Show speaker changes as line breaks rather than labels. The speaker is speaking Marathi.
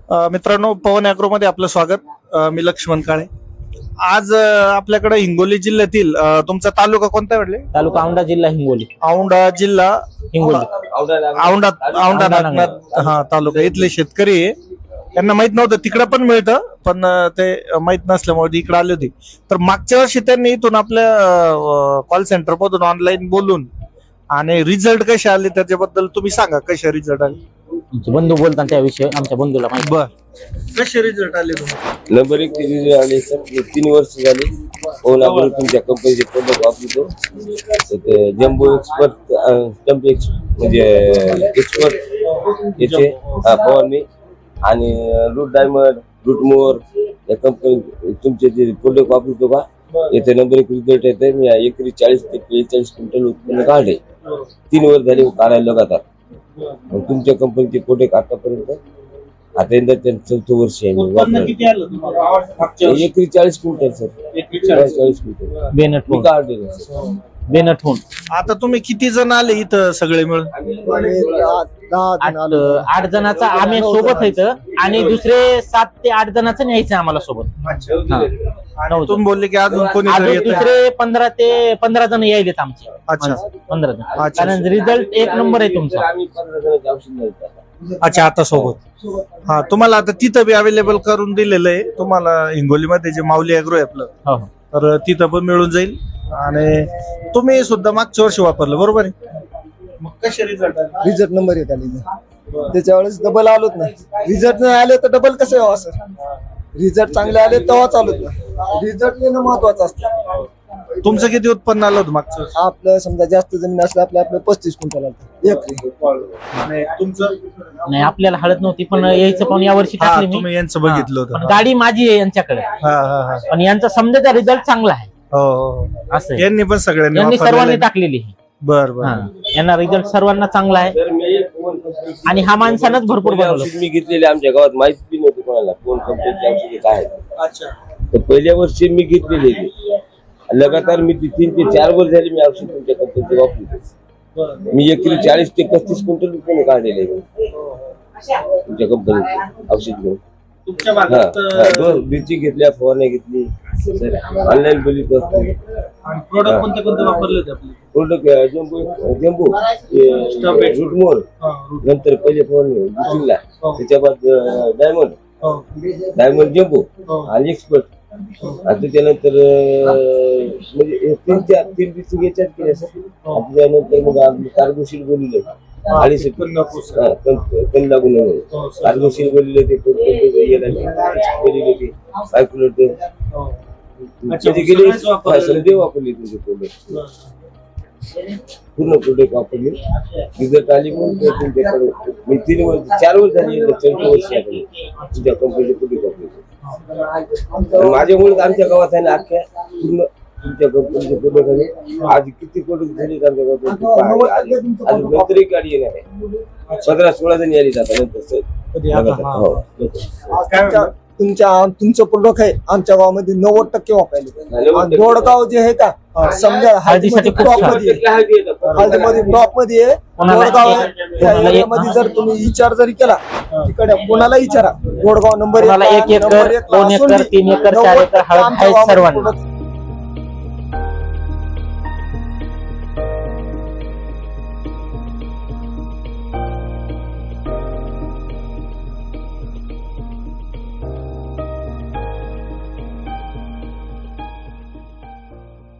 मित्रांनो, पवन ॲग्रोमध्ये आपलं स्वागत. मी लक्ष्मण काळे. आज आपल्याकडे हिंगोली जिल्ह्यातील तुमचा तालुका कोणता म्हटले?
तालुका औंढा, जिल्हा हिंगोली.
औंढा जिल्हा
हिंगोली.
औंढा नागनाथ हा तालुका. इथले शेतकरी आहे, त्यांना माहित नव्हतं तिकडे पण मिळतं, पण ते माहित नसल्यामुळे इकडे आले होते. तर मागच्या वर्षी त्यांनी इथून आपल्या कॉल सेंटर मधून ऑनलाईन बोलून आणि रिझल्ट कसे आले त्याच्याबद्दल तुम्ही सांगा. कसे रिझल्ट आले?
आमचे बंधू बोलतात त्याविषयी, आमच्या बंधूला माहिती.
बर, कसे रिझल्ट आले तुम्हाला?
नंबर 1 रिझल्ट आले सर. 3 वर्ष झाली फोन आपण तुमच्या कंपनीचे प्रोडक्ट वापरतो. ते जम्बो एक्सपर्ट म्हणजे एक्सपर्ट याचे फवारणी आणि रूट डायमंड, रूट मोर या कंपनी तुमचे जे प्रोडक्ट वापरतो का याचे नंबर 1 रिझल्ट येते. मी एकरी 40 ते 45 क्विंटल उत्पन्न काढले. 3 वर्ष झाले काढायला लगातार. तुमच्या कंपनीचे प्रोडक्ट आतापर्यंत आता यंदा 4थं वर्ष आहे. एकरी 40 क्विंटल सर. 40 क्विंटल
बेनट
काढले.
बेनटहून.
आता तुम्ही किती जण आले इथं सगळे मिळून?
8 जणांचा आम्ही सोबत येतं आणि दुसरे 7 ते 8 जणांचं न्यायचं आम्हाला सोबत.
आणि तुम्ही बोलले की अजून कोणी
अजून दुसरे 15 ते 15 जण यायलेत आमचे.
अच्छा.
15 जण. कारण रिझल्ट 1 नंबर आहे तुमचा.
आम्ही 15 जणांचे औषध द्यायचं.
अच्छा, आता सोबत. हा, तुम्हाला आता तिथं बी अवेलेबल करून दिलेलं आहे. तुम्हाला हिंगोलीमध्ये जे माऊली ॲग्रो आहे आपलं,
हो.
तर तिथं पण मिळून जाईल. आणि तुम्ही सुद्धा मागच्या वर्षी वापरलं बरोबर आहे? मग कसे रिझल्ट आले?
रिझल्ट नंबर येत आले. त्याच्या वेळेस डबल आलोच नाही. रिझल्ट नाही आले तर डबल कसं यावं सर? रिझल्ट चांगले आले तेव्हा चालत नाही. रिझल्ट येणं महत्वाचं असतं.
तुमचं किती उत्पन्न आलं होतं मागचं वर्षी?
आपलं समजा जास्त जमीन असलं आपलं 35 क्विंटल आलं एकरी.
आणि तुमचं?
नाही, आपल्याला हळद नव्हती, पण यायचं पण या वर्षी
हा,
टाकली मी.
तुम्ही यांचं बघितलं
पण
होतं.
गाडी माझी आहे यांच्याकडे.
हा हा हा.
पण यांचा समजाचा रिझल्ट चांगला आहे.
हो हो.
असं आहे.
यांनी पण सगळ्यांनी
यांनी
वापरलेलं
सर्वांनी
आहे.
टाकलेली आहे.
बर बर.
हा. यांना रिझल्ट सर्वांना चांगला आहे.
तर मी एक फोन
आणि हा माणसानंच भरपूर बनवलं.
औषध मी घेतलेले आमच्या गावात माहिती बी नव्हती कोणाला कोण कंपनीचे औषधे काय आहेत.
अच्छा.
तर पहिल्या वर्षी मी घेतलेले ते. लगातार मी 3 ते 4 वर्ष झाली मी औषध तुमच्या कंपनीचे वापरतो. मी एकरी 40 ते 35 क्विंटल उत्पन्न काढलेले तुमच्या कंपनीचे औषध घेऊन.
तुमच्या भागात
मिरची घेतल्या, फवारण्या घेतली, ऑनलाईन बोलीत असतो.
आणि प्रोडक्ट कोणते कोणते वापरले होते आपले?
प्रोडक्ट जम्बो रूटमोर, नंतर पहिले फवारणी बुशिंगला, त्याच्या बाद डायमंड जम्बो आणि एक्सपर्ट. आणि त्याच्यानंतर म्हणजे 3 दिवशी याच्यात केल्या सर. त्याच्यानंतर मग आम्ही कार्बोशील बोलले आणि कण लागू नये कार्बोशील बोलले ते गेले वापरले तुमचे प्रोडक्ट. पूर्ण प्रोडक्ट वापरले. रिझल्ट आली म्हणून तुमच्याकडे मी 4 वर्ष झाली 4 वर्ष तुमच्या कंपनीचे प्रोडक्ट वापरले. माझ्यामुळे आमच्या गावात आहे ना अख्ख्या पूर्ण तुमच्या कंपनीचे प्रोडक्ट आहे. आज किती प्रोडक्ट झाले आमच्या गावात. आज नंतर एक गाडी येणार आहे. 15-16 जण यायला जातात नंतर.
तुमचं प्रोडक्ट आहे आमच्या गावामध्ये 90% वापरले. आणि दोडगाव जे आहे का समजा
हळदीसाठी खूप
टॉप मध्ये हळदीमध्ये टॉप मध्ये आहे. दोडगाव मध्ये जर तुम्ही विचार जरी केला तिकडे कोणाला विचारा, Dodgaon number
1 acre, 2 acre, 3 acre, 4 acre हळद आहे सर्वांना.